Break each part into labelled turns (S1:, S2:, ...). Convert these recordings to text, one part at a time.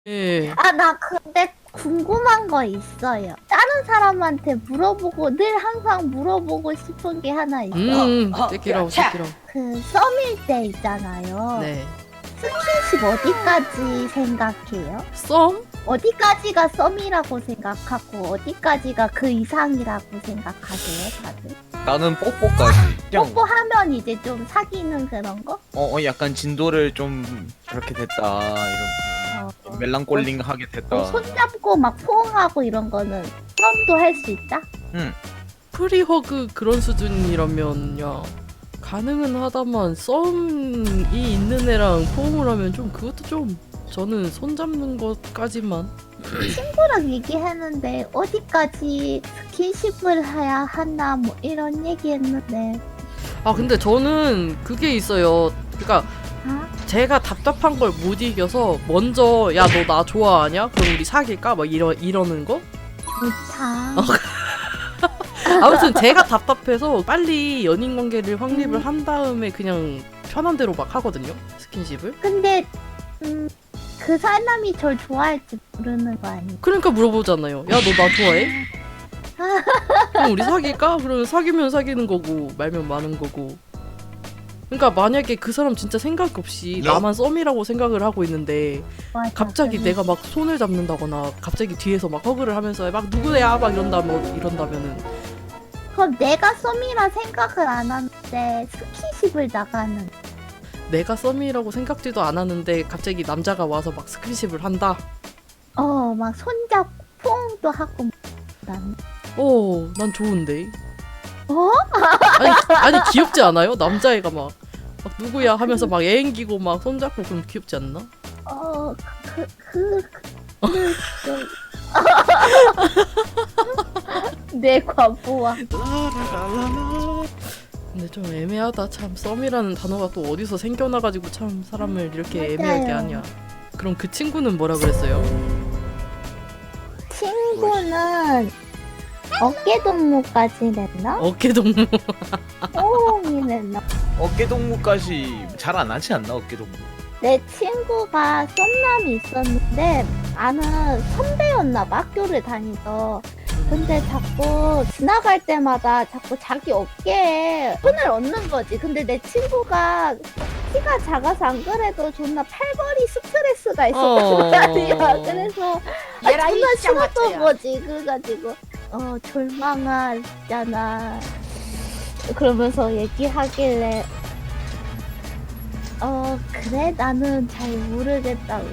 S1: 예.
S2: 아, 나 근데 궁금한 거 있어요. 다른 사람한테 물어보고 늘 항상 물어보고 싶은 게 하나 있어.
S1: 떼끼라고 떼끼라고.
S2: 그 썸일 때 있잖아요.
S1: 네.
S2: 스킨십 어디까지 생각해요?
S1: 썸?
S2: 어디까지가 썸이라고 생각하고 어디까지가 그 이상이라고 생각하세요, 다들?
S3: 나는 뽀뽀까지. 그냥
S2: 뽀뽀하면 이제 좀 사귀는 그런 거?
S3: 약간 진도를 좀 그렇게 됐다 이런 멜랑꼴링하게 됐다.
S2: 손잡고 막 포옹하고 이런 거는 썸도 할 수 있다?
S1: 프리허그 그런 수준이라면 야 가능은 하다만 썸이 있는 애랑 포옹을 하면 좀 그것도 좀 저는 손잡는 것까지만.
S2: 친구랑 얘기했는데 어디까지 스킨십을 해야 하나 뭐 이런 얘기했는데
S1: 아 근데 저는 그게 있어요. 그러니까
S2: 아?
S1: 제가 답답한 걸 못 이겨서 먼저 야 너 나 좋아하냐? 그럼 우리 사귈까? 막 이러는 거?
S2: 좋다.
S1: 아무튼 제가 답답해서 빨리 연인 관계를 확립을 한 다음에 그냥 편한 대로 막 하거든요. 스킨십을.
S2: 근데 그 사람이 절 좋아할지 모르는 거 아니야?
S1: 그러니까 물어보잖아요. 야 너 나 좋아해? 그럼 우리 사귈까? 그러면 사귀면 사귀는 거고 말면 마는 거고. 그러니까 만약에 그 사람 진짜 생각 없이 나만 썸이라고 생각을 하고 있는데
S2: 맞아,
S1: 갑자기
S2: 그래.
S1: 내가 막 손을 잡는다거나 갑자기 뒤에서 막 허그를 하면서 막 누구야 막 이런다면은
S2: 그럼 내가 썸이라 생각을 안 하는데 스킨십을 나가는
S1: 내가 썸이라고 생각지도 않았는데 갑자기 남자가 와서 막 스킨십을 한다.
S2: 막 손잡고 포옹도 하고 난
S1: 난 좋은데.
S2: 어?
S1: 아니 귀엽지 않아요? 남자애가 막 누구야 하면서 막 애행기고 막 손잡고 그럼 귀엽지 않나?
S2: 내 과보와
S1: 근데 좀 애매하다. 참 썸이라는 단어가 또 어디서 생겨나가지고 참 사람을 이렇게 애매하게
S2: 맞아요.
S1: 하냐. 그럼 그 친구는 뭐라 그랬어요?
S2: 친구는 어깨동무까지 냈나?
S1: 어깨동무.
S2: 포옹이 냈나?
S3: 어깨동무까지 잘 안 하지 않나 어깨동무?
S2: 내 친구가 썸남이 있었는데 아는 선배였나 봐, 학교를 다니서. 근데 자꾸 지나갈 때마다 자꾸 자기 어깨에 손을 얹는 거지. 근데 내 친구가 키가 작아서 안 그래도 존나 팔벌이 스트레스가 있었단 말이야. 그래서 존나 싫었던 거지. 그래가지고 졸망하잖아. 그러면서 얘기하길래 그래? 나는 잘 모르겠다고.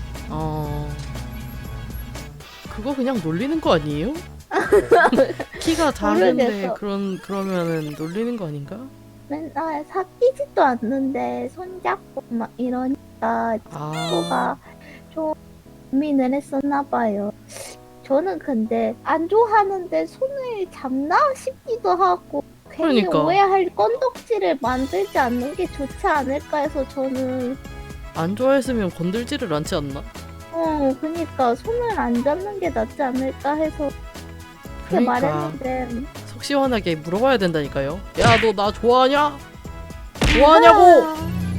S1: 그거 그냥 놀리는 거 아니에요? 키가 작은데
S2: 모르겠어.
S1: 그러면은 놀리는 거 아닌가?
S2: 맨날 사귀지도 않는데 손잡고 막 이러니까 친구가 좀 고민을 했었나 봐요. 저는 근데 안 좋아하는데 손을 잡나 싶기도 하고 괜히
S1: 그러니까.
S2: 오해할 건덕지를 만들지 않는 게 좋지 않을까 해서 저는
S1: 안 좋아했으면 건들지를 않지 않나?
S2: 그니까 손을 안 잡는 게 낫지 않을까 해서 그렇게
S1: 그러니까.
S2: 말했는데
S1: 속 시원하게 물어봐야 된다니까요. 야 너 나 좋아하냐? 좋아하냐고!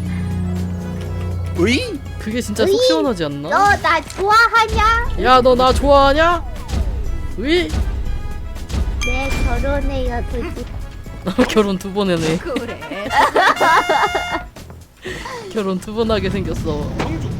S3: 으이?
S1: 그게 진짜 속 시원하지 않나?
S2: 너 나 좋아하냐?
S1: 야 너 나 좋아하냐? 으이!
S2: 네, 결혼해요, 드지.
S1: 결혼 2번 해네.
S4: 그래.
S1: 결혼 2번 하게 생겼어.